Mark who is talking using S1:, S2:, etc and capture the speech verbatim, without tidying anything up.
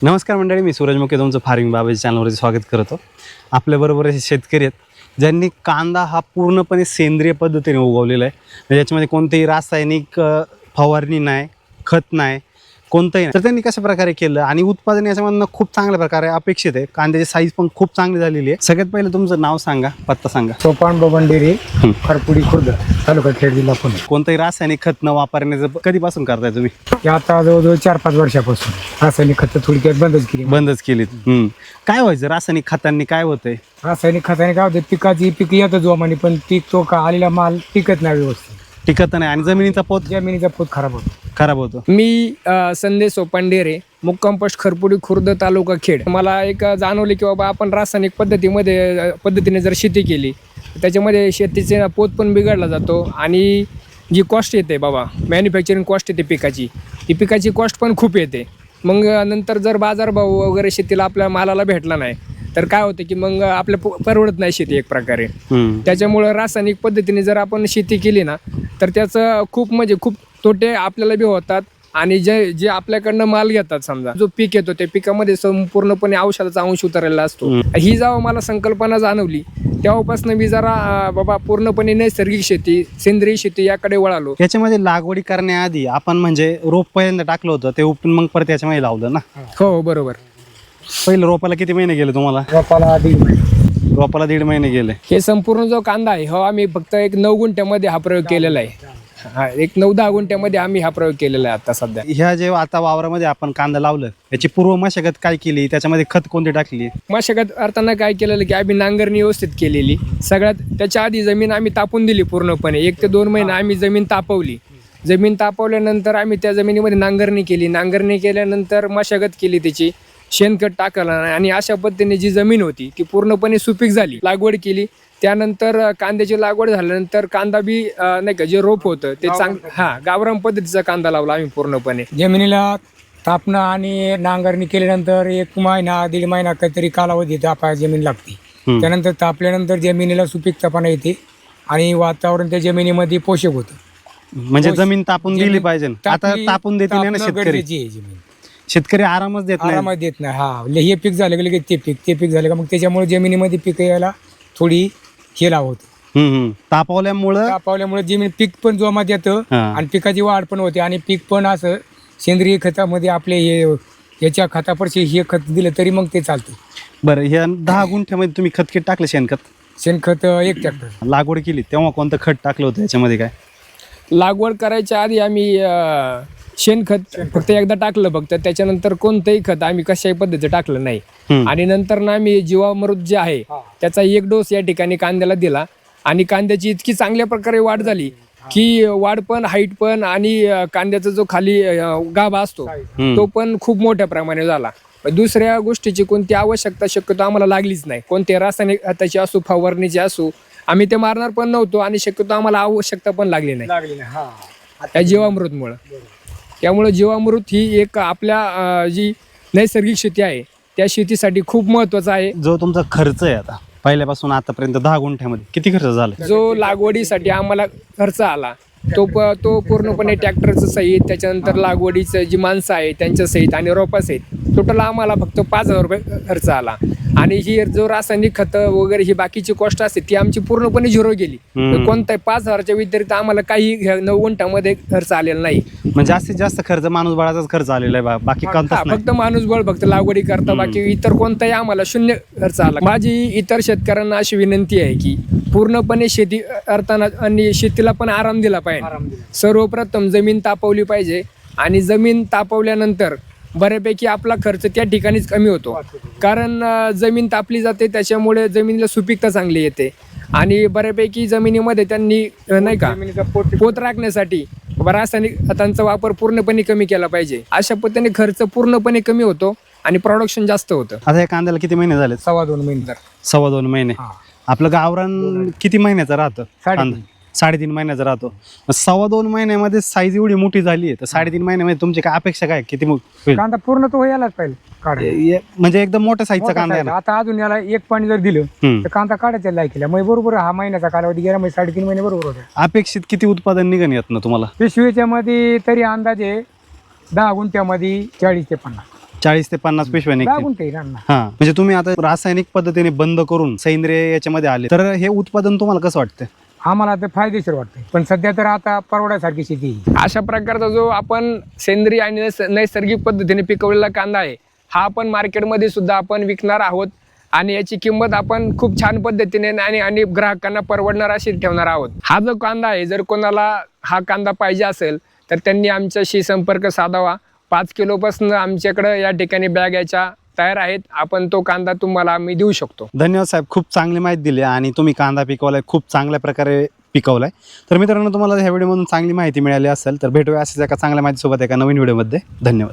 S1: नमस्कार मंडळी, मी सूरज मुके तुमचं फार्मिंग बाबाजी चॅनलवरती स्वागत करतो. आपल्याबरोबर असे शेतकरी आहेत ज्यांनी कांदा हा पूर्णपणे सेंद्रिय पद्धतीने उगवलेला आहे. याच्यामध्ये कोणतेही रासायनिक फवारणी नाही, खत नाही, कोणतंही नाही. तर त्यांनी कशा प्रकारे केलं आणि उत्पादन याच्यामधनं खूप चांगल्या प्रकारे अपेक्षित आहे. कांद्याची साईज पण खूप चांगली झालेली आहे. सगळ्यात पहिलं तुमचं नाव सांगा, पत्ता सांगा.
S2: सोपान बबंडेरे, खरपुडी खुर्द, तालुका खेड, जिल्हा पुणे.
S1: कोणतंही रासायनिक खत न वापरण्याचं कधीपासून करताय तुम्ही?
S2: हे आता जवळजवळ चार पाच वर्षापासून रासायनिक खतं थोडक्यात बंदच केली.
S1: बंदच केलीत. हम्म. काय व्हायचं रासायनिक खतांनी, काय होतंय?
S2: रासायनिक खताने काय होतं, पिकाची पीक येतं जोमाने, पण पीक तो का आलेला माल टिकत नाही व्यवस्थित,
S1: टिकत नाही आणि जमिनीचा पोत
S2: जमिनीचा पोत खराब होतो.
S1: खराब होतो.
S3: मी अ, संदेश सोपांडेरे, मुक्काम पोस्ट खरपुडी खुर्द, तालुका खेड. मला एक जाणवले की बाबा आपण रासायनिक पद्धतीमध्ये अ, पद्धतीने जर शेती केली त्याच्यामध्ये शेतीचे पोत पण बिघडला जातो आणि जी कॉस्ट येते बाबा, मॅन्युफॅक्चरिंग कॉस्ट येते पिकाची, ती पिकाची कॉस्ट पण खूप येते. मग नंतर जर बाजारभाव वगैरे शेतीला आपल्या मालाला भेटला नाही तर काय होतं की मग आपल्या परवडत नाही शेती एक प्रकारे. त्याच्यामुळं रासायनिक पद्धतीने जर आपण शेती केली ना तर त्याचं खूप म्हणजे खूप तोटे आपल्याला बी होतात आणि जे जे आपल्याकडनं माल घेतात, समजा जो पीक येतो त्या पिकामध्ये संपूर्णपणे औषधाचा अंश उतरलेला असतो. ही जेव्हा मला संकल्पना जाणवली तेव्हापासून मी जरा अं, बाबा पूर्णपणे नैसर्गिक शेती, सेंद्रिय शेती याकडे वळालो.
S1: याच्यामध्ये लागवडी करण्याआधी आपण म्हणजे रोप पहिल्यांदा टाकलं होतं ते उपटून मग परत याच्यामध्ये लावलं ना?
S3: हो हो बरोबर.
S1: पहिलं रोपाला किती महिने गेले तुम्हाला?
S2: रोपाला दीड महिने.
S1: रोपाला दीड महिने गेले.
S3: हे संपूर्ण जो कांदा आहे हो आम्ही फक्त एक नऊ गुंठ्यामध्ये हा प्रयोग केलेला आहे. हा एक नऊ दहा गुंठ्यामध्ये आम्ही हा प्रयोग केलेला आहे आता सध्या.
S1: ह्या जे आता वावरामध्ये आपण कांदा लावलं याची पूर्व मशागत काय केली, त्याच्यामध्ये खत कोणती टाकली?
S3: मशागत करताना काय केलेलं की आम्ही नांगरणी व्यवस्थित केलेली. सगळ्यात त्याच्या आधी जमीन आम्ही तापून दिली पूर्णपणे. एक ते दोन महिने आम्ही जमीन तापवली. जमीन तापवल्यानंतर आम्ही त्या जमिनीमध्ये नांगरणी केली. नांगरणी केल्यानंतर मशागत केली, त्याची शेणखत टाकलं आणि अशा पद्धतीने जी जमीन होती ती पूर्णपणे सुपीक झाली. लागवड केली. त्यानंतर कांद्याची लागवड झाल्यानंतर कांदा बी अं, नाही का जे रोप होतं ते चांग हा गावरान पद्धतीचा कांदा लावला आम्ही पूर्णपणे.
S2: जमिनीला तापणं आणि नांगरणी केल्यानंतर एक महिना दीड महिना काहीतरी कालावधी तापा जमीन लागते. त्यानंतर तापल्यानंतर जमिनीला सुपीकतापणा येते आणि वातावरण त्या जमिनीमध्ये पोषक होतं.
S1: म्हणजे जमीन तापून दिली पाहिजे. आता
S2: तापली-
S1: तापून देते ना
S2: तापणं
S1: शेतकरी.
S2: गरजेची आहे जमीन.
S1: शेतकरी आरामच देत नाही.
S2: आरामात देत नाही. हा हे पीक झालं की लगेच ते पीक, ते पीक झालं का मग त्याच्यामुळे जमिनीमध्ये पीक यायला थोडी हे लावत.
S1: हम्म, हम्म. तापवल्यामुळं
S2: तापवल्यामुळे जमीन पीक पण जोमात येतं
S1: हा.
S2: आणि पिकाची वाढ पण होते आणि पीक पण असं सेंद्रिय खतामध्ये आपले हे याच्या खतापरशी हे खत दिलं तरी मग ते चालतं.
S1: बरं, ह्या दहा गुंठ्यामध्ये तुम्ही खत किती टाकलं? शेणखत
S2: शेणखत एक ट्रॅक्टर.
S1: लागवड केली तेव्हा कोणतं खत टाकलं होतं याच्यामध्ये? काय
S3: लागवड करायच्या आधी आम्ही अं, शेणखत फक्त एकदा टाकलं फक्त. त्याच्यानंतर कोणतंही खत आम्ही कशाही पद्धतीचं टाकलं नाही. आणि नंतर ना आम्ही जीवामृत जे आहे त्याचा एक डोस या ठिकाणी कांद्याला दिला आणि कांद्याची इतकी चांगल्या प्रकारे वाढ झाली की वाढ पण, हाईट पण आणि अं, कांद्याचा जो खाली अं, गाभा असतो तो पण खूप मोठ्या प्रमाणे झाला. दुसऱ्या गोष्टीची कोणती आवश्यकता शक्यतो आम्हाला लागलीच नाही. कोणते रासायनिक खताची असो, फवारणीची असो, आम्ही ते मारणार पण नव्हतो आणि शक्यतो आम्हाला आवश्यकता पण लागली नाही त्या जीवामृतमुळं. त्यामुळं जीवामृत ही एक आपल्या अं, जी नैसर्गिक शेती आहे त्या शेतीसाठी खूप महत्वाचा आहे.
S1: जो तुमचा खर्च आहे आता पहिल्यापासून आतापर्यंत दहा गुंठ्यामध्ये किती खर्च झाला?
S3: जो लागवडीसाठी आम्हाला खर्च आला तो प तो पूर्णपणे ट्रॅक्टरचं सहित, त्याच्यानंतर लागवडीचं जी माणसं आहे त्यांच्या सहित आणि रोपासहित टोटल आम्हाला फक्त पाच हजार रुपये खर्च आला. आणि ही जो रासायनिक खतं वगैरे ही बाकीची कॉस्ट असते ती आमची पूर्णपणे झिरो गेली. कोणताही पाच हजारच्या व्यतिरिक्त आम्हाला काही ह्या नऊ गुंठ्यामध्ये खर्च आलेला नाही.
S1: म्हणजे जास्तीत जास्त खर्च माणूस बळाचाच खर्च आलेला आहे बा- बाकी
S3: हा,
S1: कोणताच नाही.
S3: फक्त माणूस बळ फक्त लागवडी करता, बाकी इतर कोणताही आम्हाला शून्य खर्च आला. माझी इतर शेतकऱ्यांना अशी विनंती आहे की पूर्णपणे शेती करताना आणि शेतीला पण आराम दिला पाहिजे. सर्वप्रथम जमीन तापवली पाहिजे आणि जमीन तापवल्यानंतर बऱ्यापैकी आपला खर्च त्या ठिकाणीच कमी होतो. कारण अं, जमीन तापली जाते त्याच्यामुळे जमिनीला सुपीकता चांगली येते आणि बऱ्यापैकी जमिनीमध्ये त्यांनी अं, नाही का पोत राखण्यासाठी रासायनिक खतांचा वापर पूर्णपणे कमी केला पाहिजे. अशा पद्धतीने खर्च पूर्णपणे कमी होतो आणि प्रोडक्शन जास्त होतं.
S1: आता या कांद्याला किती महिने झाले?
S2: सव्वा दोन महिने.
S1: सव्वा दोन महिने. आपलं गावरान किती महिन्याचं राहतं?
S2: साडेतीन.
S1: कांदा साडेतीन महिन्याचा राहतो. मग सव्वा दोन महिन्यामध्ये साईज एवढी मोठी झाली आहे तर साडेतीन महिन्यामध्ये तुमची काय अपेक्षा काय किती मो- होईल?
S2: कांदा पूर्ण तो यायलाच पाहिजे काढ.
S1: ये- म्हणजे एकदम मोठ्या साईजचा कांदा आहे ना?
S2: आता अजून याला एक पाणी जर दिलं
S1: हम्म.
S2: तर कांदा काढायच्या लायकीला मग बरोबर हा महिन्याचा कालावधी गेला म्हणजे साडेतीन महिने बरोबर होते.
S1: अपेक्षित किती उत्पादन निघण येत ना तुम्हाला?
S2: पिशवीच्या मध्ये तरी अंदाजे दहा गुंठ्यामध्ये चाळीस ते पन्नास
S1: चाळीस ते पन्नास पिशव्या
S2: दहा
S1: निघतील.
S2: गुंठे रान ना.
S1: हा म्हणजे तुम्ही आता रासायनिक पद्धतीने बंद करून सेंद्रिय याच्यामध्ये आले, तर हे उत्पादन तुम्हाला कसं वाटतं?
S2: आम्हाला ते फायदेशीर वाटतंय, पण सध्या तर आता परवड्यासारखी शेती आहे.
S3: अशा प्रकारचा जो आपण सेंद्रिय आणि नैस- नैसर्गिक पद्धतीने पिकवलेला कांदा आहे, हा आपण मार्केटमध्ये सुद्धा आपण विकणार आहोत आणि याची किंमत आपण खूप छान पद्धतीने आणि आणि ग्राहकांना परवडणार अशी ठेवणार आहोत. हा जो कांदा आहे, जर कोणाला हा कांदा पाहिजे असेल तर त्यांनी आमच्याशी संपर्क साधावा. पाच किलोपासून आमच्याकडं या ठिकाणी बॅग याच्या तयार आहेत. आपण तो कांदा तुम्हाला आम्ही देऊ शकतो.
S1: धन्यवाद साहेब, खूप चांगली माहिती दिली आणि तुम्ही कांदा पिकवलाय, खूप चांगल्या प्रकारे पिकवलाय. तर मित्रांनो, तुम्हाला ह्या व्हिडिओमधून चांगली माहिती मिळाली असेल तर भेटूया असेच एका चांगल्या माहितीसोबत एका नवीन व्हिडिओमध्ये. धन्यवाद.